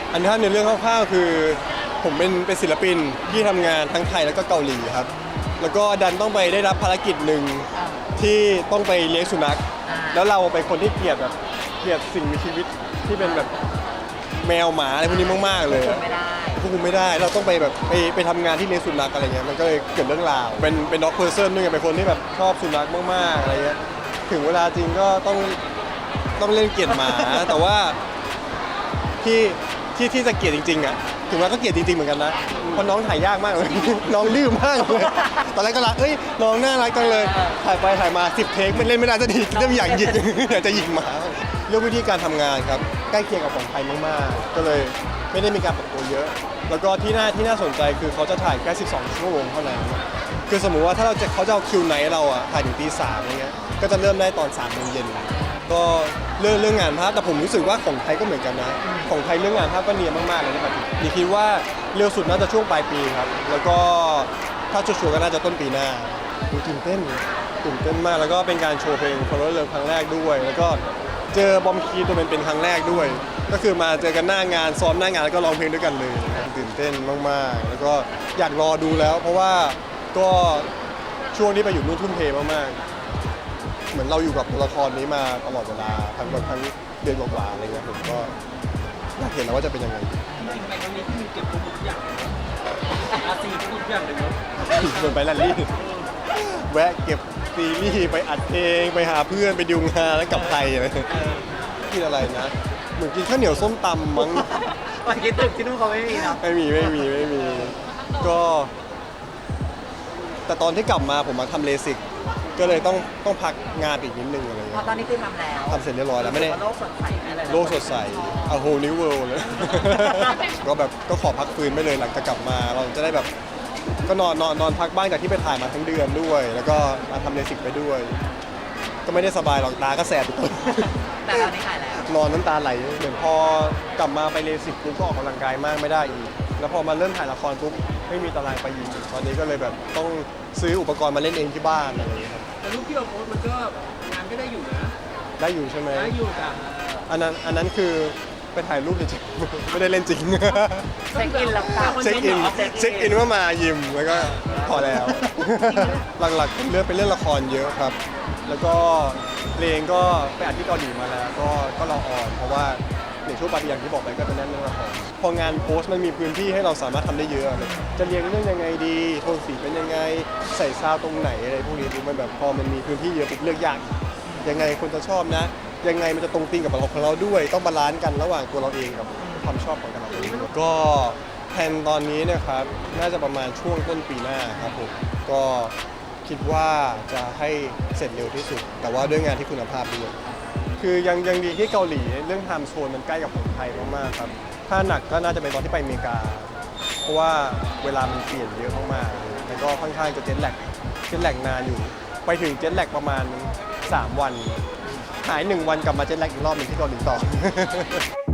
อันนี้ในเรื่องคร่าวๆคือผมเป็นศิลปินที่ทำงานทั้งไทยแล้วก็เกาหลีครับแล้วก็ดันต้องไปได้รับภารกิจหนึ่งที่ต้องไปเลี้ยงสุนัขแล้วเราเป็นคนที่เกลียดสิ่งมีชีวิตที่เป็นแบบแมวหมาอะไรพวกนี้มากๆเลยควบคุมไม่ได้เราต้องไปแบบไปทำงานที่เลี้ยงสุนัขอะไรเงี้ยมันก็เลยเกิดเรื่องราวเป็นด็อกเพอร์เซนด้วยไงเป็นคนที่แบบชอบสุนัขมากๆอะไรเงี้ยถึงเวลาจริงก็ต้องเล่นเกลียดหมาแต่ว่าที่จะเกลียดจริงๆอ่ะถึงแม้ก็เกลียดจริงๆเหมือนกันนะเพราะน้องถ่ายยากมากเลย น้องดื้อมากเลยตอนแรกก็รักน้องน่ารักจังเลยถ่ายไปถ่ายมา10เทคมันเล่นไม่ได้สักทีเริ่มอยากหยิก อยากจะหยิกหมาเรื่องวิธีการทำงานครับใกล้เคียงกับของไทยมากๆก็เลยไม่ได้มีการปรับตัวเยอะ แล้วก็ที่น่าสนใจคือเขาจะถ่ายแค่12 ชั่วโมงเท่านั้นคือสมมุติว่าถ้าเขาจะเอาคิวไนท์เราอ่ะถ่ายถึงตี 3อะไรเงี้ยก็จะเริ่มได้ตอน3 โมงเย็นก็เรื่องงานภาพแต่ผมรู้สึกว่าของไทยก็เหมือนกันนะของไทยเรื่องงานภาพก็เนียนมากๆเลยนะครับนี่คิดว่าเร็วสุดน่าจะช่วงปลายปีครับแล้วก็ถ้าชัวร์ๆก็น่าจะต้นปีหน้าตื่นเต้นมากแล้วก็เป็นการโชว์เพลง Follow Love ครั้งแรกด้วยแล้วก็เจอบอมคีตัวเป็นครั้งแรกด้วยก็คือมาเจอกันหน้างานซ้อมหน้างานแล้วก็ร้องเพลงด้วยกันเลยตื่นเต้นมากๆแล้วก็อยากรอดูแล้วเพราะว่าก็ช่วงที่ไปอยู่นู่นทุ่มเทมากๆเหมือนเราอยู่กับละครนี้มาตลอดเวลาทั้งเดือนกว่าๆอะไรเงี้ยผมก็อยากเห็นแล้วว่าจะเป็นยังไงจริงๆไปครั้งนี้ที่มีเก็บทุกอย่างอาซีทุกอย่างเลยเนาะชวนไปแรลลี่แวะเก็บซีรีส์ไปอัดเพลงไปหาเพื่อนไปดูงานแล้วกลับไทยอะไรกินอะไรนะเหมือนกินข้าวเหนียวส้มตำมั้งวันกินตึกที่นู่นเขาไม่มีเนาะไม่มีก็แต่ตอนที่กลับมาผมมาทำเลสิกก็เลยต้องพักงานอีกนิดนึงอะไรเงี้ยตอนนี้คือทำแล้วทำเสร็จเรียบร้อยแล้วไม่ได้โลกสดใสอะไรโลกสดใส a whole new world เลย ก็แบบก็ขอพักฟื้นไปเลยหลังจากกลับมาเราจะได้แบบก็นอนพักบ้างจากที่ไปถ่ายมาทั้งเดือนด้วยแล้วก็มาทำเลสิกไปด้วยก็ไม่ได้สบายหรอกตาก็แสบแต่ตอนนี้หายแล้วนอนน้ำตาไหลเหมือนพอกลับมาไปเลสิกปุ๊บก็ออกกำลังกายมากไม่ได้อีกแล้วพอมาเริ่มถ่ายละครปุ๊บไม่มีตารางไปอีกตอนนี้ก็เลยแบบต้องซื้ออุปกรณ์มาเล่นเองที่บ้านอะไรอย่างเงี้ยครับแต่รูปที่เราโพสมันก็งานก็ได้อยู่นะได้อยู่ใช่ไหมได้อยู่จ้ะอันนั้นคือไปถ่ายรูปจริงๆไม่ได้เล่นจริงเช็คอินแล้วเช็คอินว่ามายิมแล้วก็พอแล้วหลักๆเลือกเป็นเรื่องละครเยอะครับแล้วก็เพลงก็ไปอัดที่เกาหลีมาแล้วก็รอออนเพราะว่าในช่วงปาร์ตี้อย่างที่บอกไปก็เป็นเรื่องละครพองานโพสต์มันมีพื้นที่ให้เราสามารถทำได้เยอะจะเรียงเรื่องยังไงดีโทนสีเป็นยังไงใส่ซาวตรงไหนอะไรพวกนี้ดูมันแบบพอมันมีพื้นที่เยอะปุ๊บเลือกยากยังไงคนจะชอบนะยังไงมันจะตรงตีกับของเราด้วยต้องบาลานซ์กันระหว่างตัวเราเองกับความชอบของแต่ละคนก็แผนตอนนี้นะครับน่าจะประมาณช่วงต้นปีหน้าครับผมก็คิดว่าจะให้เสร็จเร็วที่สุดแต่ว่าด้วยงานที่คุณภาพด้วยคือยังดีที่เกาหลีเรื่องไทม์โซนมันใกล้กับของไทยมากๆครับถ้าหนักก็น่าจะเป็นตอนที่ไปอเมริกาเพราะว่าเวลามันเปลี่ยนเยอะมากๆแล้วก็ค่อนข้างจะเจ็ตแลกนานอยู่ไปถึงเจ็ตแลกประมาณ3 วันหาย1 วันกลับมาเจ็ตแลกอีกรอบหนึ่งที่เกาหลีต่อ